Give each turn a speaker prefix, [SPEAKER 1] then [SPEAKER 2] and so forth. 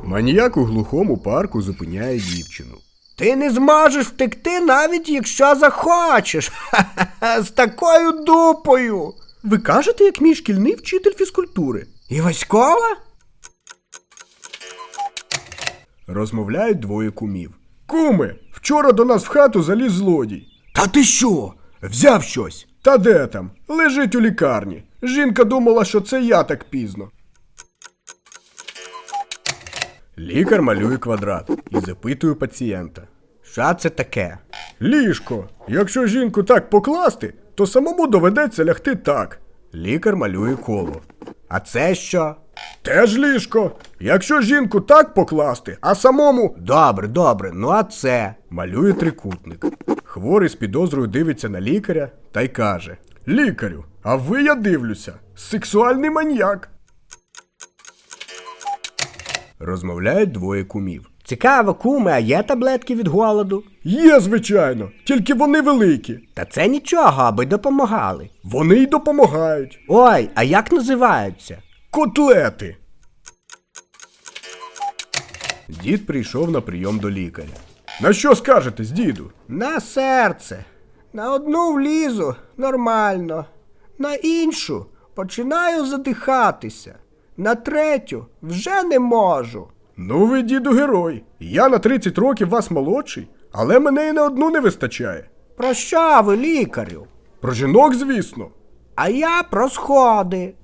[SPEAKER 1] Маніяк у глухому парку зупиняє дівчину.
[SPEAKER 2] Ти не зможеш втекти, навіть якщо захочеш. Ха-ха-ха, з такою дупою.
[SPEAKER 1] Ви кажете, як мій шкільний вчитель фізкультури.
[SPEAKER 2] І Васькова?
[SPEAKER 1] Розмовляють двоє кумів. Куме, вчора до нас в хату заліз злодій.
[SPEAKER 2] Та ти що? Взяв щось?
[SPEAKER 1] Та де там? Лежить у лікарні. Жінка думала, що це я так пізно. Лікар малює квадрат і запитує пацієнта.
[SPEAKER 2] Що це таке?
[SPEAKER 1] Ліжко. Якщо жінку так покласти, то самому доведеться лягти так. Лікар малює коло.
[SPEAKER 2] А це що?
[SPEAKER 1] Теж ліжко. Якщо жінку так покласти, а самому...
[SPEAKER 2] Добре, ну а це?
[SPEAKER 1] Малює трикутник. Хворий з підозрою дивиться на лікаря та й каже. Лікарю, а ви, я дивлюся, сексуальний маньяк. Розмовляють двоє кумів.
[SPEAKER 2] Цікаво, куме, а є таблетки від голоду?
[SPEAKER 1] Є, звичайно, тільки вони великі.
[SPEAKER 2] Та це нічого, аби допомагали.
[SPEAKER 1] Вони й допомагають.
[SPEAKER 2] Ой, а як називаються?
[SPEAKER 1] Котлети. Дід прийшов на прийом до лікаря. На що скажетесь, діду?
[SPEAKER 2] На серце. На одну влізу нормально. На іншу починаю задихатися. На третю вже не можу.
[SPEAKER 1] Ну ви, діду, герой. Я на 30 років вас молодший, але мене і на одну не вистачає.
[SPEAKER 2] Про що ви, лікарю?
[SPEAKER 1] Про жінок, звісно.
[SPEAKER 2] А я про сходи.